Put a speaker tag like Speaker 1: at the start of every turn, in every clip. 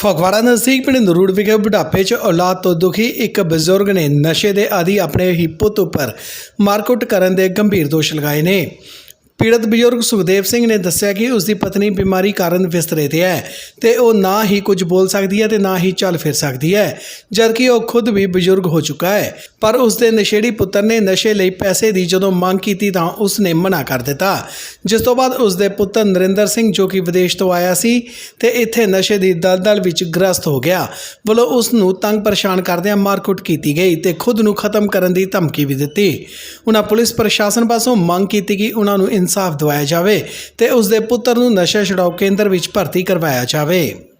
Speaker 1: ਫਗਵਾੜਾ ਨਜ਼ਦੀਕ ਪਿੰਡ ਨਰੂੜ ਵਿਖੇ ਬੁਢਾਪੇ 'ਚ ਔਲਾਦ ਤੋਂ ਦੁਖੀ ਇੱਕ ਬਜ਼ੁਰਗ ਨੇ ਨਸ਼ੇ ਦੇ ਆਦੀ ਆਪਣੇ ਹੀ ਪੁੱਤ ਉੱਪਰ ਮਾਰਕੁੱਟ ਕਰਨ ਦੇ ਗੰਭੀਰ ਦੋਸ਼ ਲਗਾਏ ਨੇ। ਪੀੜਤ ਬਜ਼ੁਰਗ ਸੁਖਦੇਵ ਸਿੰਘ ਨੇ ਦੱਸਿਆ ਕਿ ਉਸ ਦੀ ਪਤਨੀ ਬਿਮਾਰੀ ਕਾਰਨ ਬਿਸਤਰੇ ਤੇ ਹੈ ਤੇ ਉਹ ਨਾ ਹੀ ਕੁਝ ਬੋਲ ਸਕਦੀ ਹੈ ਤੇ ਨਾ ਹੀ ਚੱਲ ਫਿਰ ਸਕਦੀ ਹੈ, ਜਦਕਿ ਉਹ ਖੁਦ ਵੀ ਬਜ਼ੁਰਗ ਹੋ ਚੁੱਕਾ ਹੈ। ਪਰ ਉਸ ਦੇ ਨਸ਼ੇੜੀ ਪੁੱਤਰ ਨੇ ਨਸ਼ੇ ਲਈ ਪੈਸੇ ਦੀ ਜਦੋਂ ਮੰਗ ਕੀਤੀ ਤਾਂ ਉਸ ਨੇ ਮਨਾ ਕਰ ਦਿੱਤਾ, ਜਿਸ ਤੋਂ ਬਾਅਦ ਉਸ ਦੇ ਪੁੱਤਰ ਨਰਿੰਦਰ ਸਿੰਘ ਜੋ ਕਿ ਵਿਦੇਸ਼ ਤੋਂ ਆਇਆ ਸੀ ਤੇ ਇੱਥੇ ਨਸ਼ੇ ਦੀ ਦਲਦਲ ਵਿੱਚ ਗ੍ਰਸਤ ਹੋ ਗਿਆ ਵੱਲੋਂ ਉਸ ਨੂੰ ਤੰਗ ਪਰੇਸ਼ਾਨ ਕਰਦਿਆਂ ਮਾਰਕੁੱਟ ਕੀਤੀ ਗਈ ਤੇ ਖੁਦ ਨੂੰ ਖਤਮ ਕਰਨ ਦੀ ਧਮਕੀ ਵੀ ਦਿੱਤੀ। ਉਹਨਾਂ ਪੁਲਿਸ ਪ੍ਰਸ਼ਾਸਨ ਪਾਸੋਂ ਮੰਗ ਕੀਤੀ ਕਿ ਉਹਨਾਂ ਨੂੰ ਇਨਸਾਫ ਦਿਵਾਇਆ ਜਾਵੇ ਤੇ ਉਸ ਦੇ ਪੁੱਤਰ ਨੂੰ ਨਸ਼ਾ ਛੁਡਾਊ ਕੇਂਦਰ ਵਿੱਚ ਭਰਤੀ ਕਰਵਾਇਆ ਜਾਵੇ।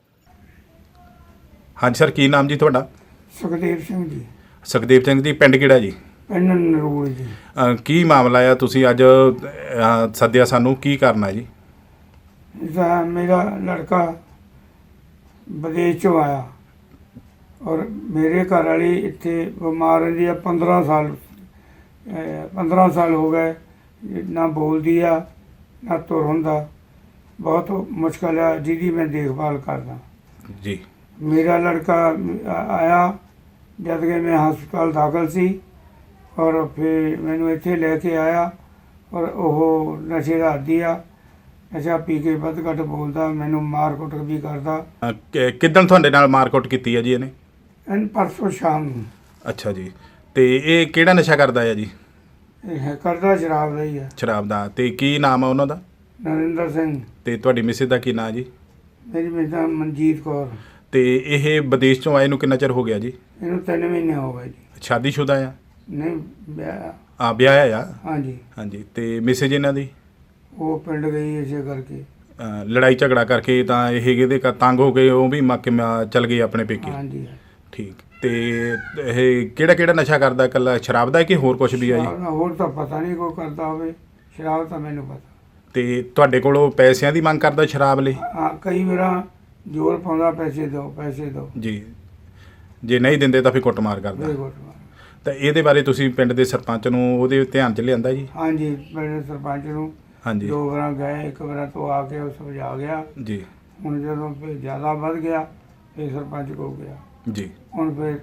Speaker 2: ਹਾਂਜੀ ਸਰ, ਕੀ ਨਾਮ ਜੀ ਤੁਹਾਡਾ?
Speaker 3: ਸੁਖਦੇਵ ਸਿੰਘ ਜੀ।
Speaker 2: ਸੁਖਦੇਵ ਸਿੰਘ ਜੀ, ਪਿੰਡ ਕਿਹੜਾ ਜੀ?
Speaker 3: ਪਿੰਡ ਨਰੂੜ ਜੀ।
Speaker 2: ਕੀ ਮਾਮਲਾ ਆ? ਤੁਸੀਂ ਅੱਜ ਸੱਦਿਆ ਸਾਨੂੰ, ਕੀ ਕਰਨਾ ਜੀ?
Speaker 3: ਇਸਦਾ ਮੇਰਾ ਲੜਕਾ ਵਿਦੇਸ਼ ਚੋਂ ਆਇਆ ਔਰ ਮੇਰੇ ਘਰ ਵਾਲੀ ਇੱਥੇ ਬਿਮਾਰ ਰਹਿੰਦੀ ਆ। 15 ਸਾਲ ਹੋ ਗਏ, ਨਾ ਬੋਲਦੀ ਆ ਨਾ ਤੁਰ ਹੁੰਦਾ, ਬਹੁਤ ਮੁਸ਼ਕਲ ਆ ਜਿਹਦੀ ਮੈਂ ਦੇਖਭਾਲ ਕਰਦਾ
Speaker 2: ਜੀ।
Speaker 3: ਮੇਰਾ ਲੜਕਾ ਆਇਆ ਜਦ ਕਿ ਮੈਂ ਹਸਪਤਾਲ ਦਾਖਲ ਸੀ ਔਰ ਫਿਰ ਮੈਨੂੰ ਇੱਥੇ ਲੈ ਕੇ ਆਇਆ ਔਰ ਉਹ ਨਸ਼ੇ ਦਾ ਆਦੀ ਆ, ਨਸ਼ਾ ਪੀ ਕੇ ਵੱਧ ਘੱਟ ਬੋਲਦਾ, ਮੈਨੂੰ ਮਾਰ ਕੁੱਟ ਵੀ ਕਰਦਾ।
Speaker 2: ਕਿੱਦਣ ਤੁਹਾਡੇ ਨਾਲ ਮਾਰਕੁੱਟ ਕੀਤੀ ਹੈ ਜੀ ਇਹਨੇ?
Speaker 3: ਪਰਸੋਂ ਸ਼ਾਮ ਨੂੰ।
Speaker 2: ਅੱਛਾ ਜੀ, ਤੇ ਇਹ ਕਿਹੜਾ ਨਸ਼ਾ ਕਰਦਾ ਹੈ ਜੀ?
Speaker 3: ਇਹ ਕਰਦਾ ਸ਼ਰਾਬ ਦਾ ਹੀ ਆ।
Speaker 2: ਸ਼ਰਾਬ ਦਾ। ਤੇ ਕੀ ਨਾਮ ਆ ਉਹਨਾਂ ਦਾ?
Speaker 3: ਨਰਿੰਦਰ ਸਿੰਘ।
Speaker 2: ਤੇ ਤੁਹਾਡੀ ਮਿਸਿਸ ਦਾ ਕੀ ਨਾਮ ਜੀ?
Speaker 3: ਮੇਰੀ ਮਿਸਾ ਮਨਜੀਤ ਕੌਰ।
Speaker 2: ਤੇ ਇਹ ਵਿਦੇਸ਼ ਚੋਂ ਆਏ ਨੂੰ ਕਿੰਨਾ ਚਿਰ ਹੋ ਗਿਆ ਜੀ?
Speaker 3: ਇਹਨੂੰ 3 ਮਹੀਨੇ ਹੋ ਗਏ ਜੀ।
Speaker 2: ਸ਼ਾਦੀशुदा ਆ?
Speaker 3: ਨਹੀਂ, ਵਿਆਹ।
Speaker 2: ਵਿਆਹਿਆ ਆ?
Speaker 3: ਹਾਂਜੀ।
Speaker 2: ਹਾਂਜੀ। ਤੇ ਮਿਸਿਸ ਇਹਨਾਂ ਦੀ?
Speaker 3: ਉਹ ਪਿੰਡ ਗਈ ਇਸੇ ਕਰਕੇ।
Speaker 2: ਲੜਾਈ ਝਗੜਾ ਕਰਕੇ ਤਾਂ ਇਹ ਇਹਦੇ ਤੰਗ ਹੋ ਗਏ, ਉਹ ਵੀ ਚੱਲ ਗਏ ਆਪਣੇ ਪੇਕੇ?
Speaker 3: ਹਾਂਜੀ।
Speaker 2: ਠੀਕ। ਤੇ ਇਹ ਕਿਹੜਾ ਨਸ਼ਾ ਕਰਦਾ? ਇਕੱਲਾ ਸ਼ਰਾਬ ਦਾ ਕਿ ਹੋਰ ਕੁਝ ਵੀ ਆ ਜੀ?
Speaker 3: ਹੋਰ ਤਾਂ ਪਤਾ ਨਹੀਂ ਕੋਈ ਕਰਦਾ ਹੋਵੇ, ਸ਼ਰਾਬ ਤਾਂ ਮੈਨੂੰ ਪਤਾ।
Speaker 2: ਤੇ ਤੁਹਾਡੇ ਕੋਲੋਂ ਪੈਸਿਆਂ ਦੀ ਮੰਗ ਕਰਦਾ ਸ਼ਰਾਬ ਲਈ?
Speaker 3: ਹਾਂ, ਕਈ ਵਾਰ ਜ਼ੋਰ ਪਾਉਂਦਾ, ਪੈਸੇ ਦਿਓ ਪੈਸੇ ਦਿਓ
Speaker 2: ਜੀ। ਜੇ ਨਹੀਂ ਦਿੰਦੇ ਤਾਂ ਫਿਰ ਕੁੱਟਮਾਰ ਕਰਦਾ। ਤਾਂ ਇਹਦੇ ਬਾਰੇ ਤੁਸੀਂ ਪਿੰਡ ਦੇ ਸਰਪੰਚ ਨੂੰ ਉਹਦੇ ਧਿਆਨ 'ਚ ਲਿਆਂਦਾ ਜੀ?
Speaker 3: ਹਾਂਜੀ, ਪਿੰਡ ਸਰਪੰਚ ਨੂੰ
Speaker 2: ਹਾਂਜੀ
Speaker 3: 2 ਵਾਰ ਗਏ, 1 ਵਾਰ ਤੋਂ ਆ ਕੇ ਉਹ ਸਮਝਾ ਗਿਆ
Speaker 2: ਜੀ।
Speaker 3: ਹੁਣ ਜਦੋਂ ਫਿਰ ਜ਼ਿਆਦਾ ਵੱਧ ਗਿਆ ਫਿਰ ਸਰਪੰਚ ਕੋਲ ਗਿਆ
Speaker 2: ਜੀ।
Speaker 3: ਹੁਣ ਫਿਰ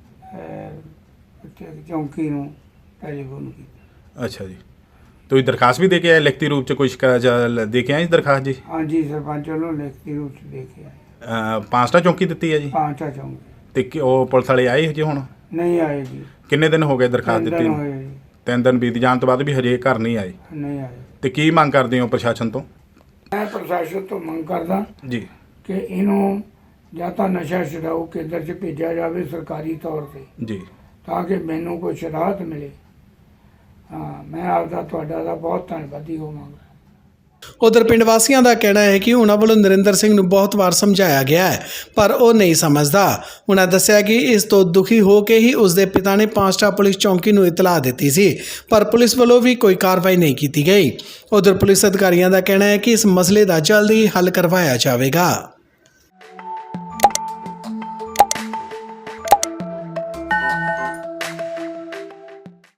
Speaker 3: ਚੌਂਕੀ ਨੂੰ ਟੈਲੀਫੋਨ ਕੀਤਾ।
Speaker 2: ਅੱਛਾ ਜੀ। ਤੁਸੀਂ ਦਰਖਾਸਤ ਵੀ ਦੇ ਕੇ ਆਏ ਲਿਖਤੀ ਰੂਪ 'ਚ? ਕੁਝ ਦੇ ਕੇ ਆਏ ਜੀ ਦਰਖਾਸਤ ਜੀ?
Speaker 3: ਹਾਂਜੀ, ਸਰਪੰਚ ਵੱਲੋਂ ਲਿਖਤੀ ਰੂਪ 'ਚ ਦੇ ਕੇ ਆਏ।
Speaker 2: 5टा ਚੌਂਕੀ ਦਿੱਤੀ ਹੈ ਜੀ?
Speaker 3: 5टा ਚੌਂਕੀ।
Speaker 2: ਤੇ ਉਹ ਪੁਲਿਸ ਵਾਲੇ ਆਏ ਜੀ ਹੁਣ?
Speaker 3: ਨਹੀਂ ਆਏ ਜੀ।
Speaker 2: ਕਿੰਨੇ ਦਿਨ ਹੋ ਗਏ ਦਰਖਾਸਤ ਦਿੱਤੀ ਨੂੰ? 3 ਦਿਨ ਬੀਤ ਜਾਣ ਤੋਂ ਬਾਅਦ ਵੀ ਹਜੇ ਘਰ ਨਹੀਂ ਆਏ?
Speaker 3: ਨਹੀਂ ਆਏ।
Speaker 2: ਤੇ ਕੀ ਮੰਗ ਕਰਦੇ ਹੋ ਪ੍ਰਸ਼ਾਸਨ ਤੋਂ?
Speaker 3: ਮੈਂ ਪ੍ਰਸ਼ਾਸਨ ਤੋਂ ਮੰਗ ਕਰਦਾ
Speaker 2: ਜੀ
Speaker 3: ਕਿ ਇਹਨੂੰ ਜਾਂ ਤਾਂ ਨਸ਼ਾ ਛੁਡਾਊ ਕੇਂਦਰ 'ਚ ਭੇਜਿਆ ਜਾਵੇ ਸਰਕਾਰੀ ਤੌਰ 'ਤੇ,
Speaker 2: ਜੀ,
Speaker 3: ਤਾਂ ਕਿ ਮੈਨੂੰ ਕੋਈ ਰਾਹਤ ਮਿਲੇ। ਹਾਂ, ਮੈਂ ਆਪਦਾ ਤੁਹਾਡਾ ਦਾ ਬਹੁਤ ਧੰਨਵਾਦੀ ਹੋਵਾਂਗਾ।
Speaker 1: ਉਧਰ ਪਿੰਡ ਵਾਸੀਆਂ ਦਾ ਕਹਿਣਾ ਹੈ ਕਿ ਉਹਨਾਂ ਵੱਲੋਂ ਨਰਿੰਦਰ ਸਿੰਘ ਨੂੰ ਬਹੁਤ ਵਾਰ ਸਮਝਾਇਆ ਗਿਆ ਹੈ ਪਰ ਉਹ ਨਹੀਂ ਸਮਝਦਾ। ਉਹਨਾਂ ਦੱਸਿਆ ਕਿ ਇਸ ਤੋਂ ਦੁਖੀ ਹੋ ਕੇ ਹੀ ਉਸ ਦੇ ਪਿਤਾ ਨੇ 5टा ਪੁਲਿਸ ਚੌਂਕੀ ਨੂੰ ਇਤਲਾਹ ਦਿੱਤੀ ਸੀ ਪਰ ਪੁਲਿਸ ਵੱਲੋਂ ਵੀ ਕੋਈ ਕਾਰਵਾਈ ਨਹੀਂ ਕੀਤੀ ਗਈ। ਉਧਰ ਪੁਲਿਸ ਅਧਿਕਾਰੀਆਂ ਦਾ ਕਹਿਣਾ ਹੈ ਕਿ ਇਸ ਮਸਲੇ ਦਾ ਜਲਦੀ ਹੱਲ ਕਰਵਾਇਆ ਜਾਵੇਗਾ।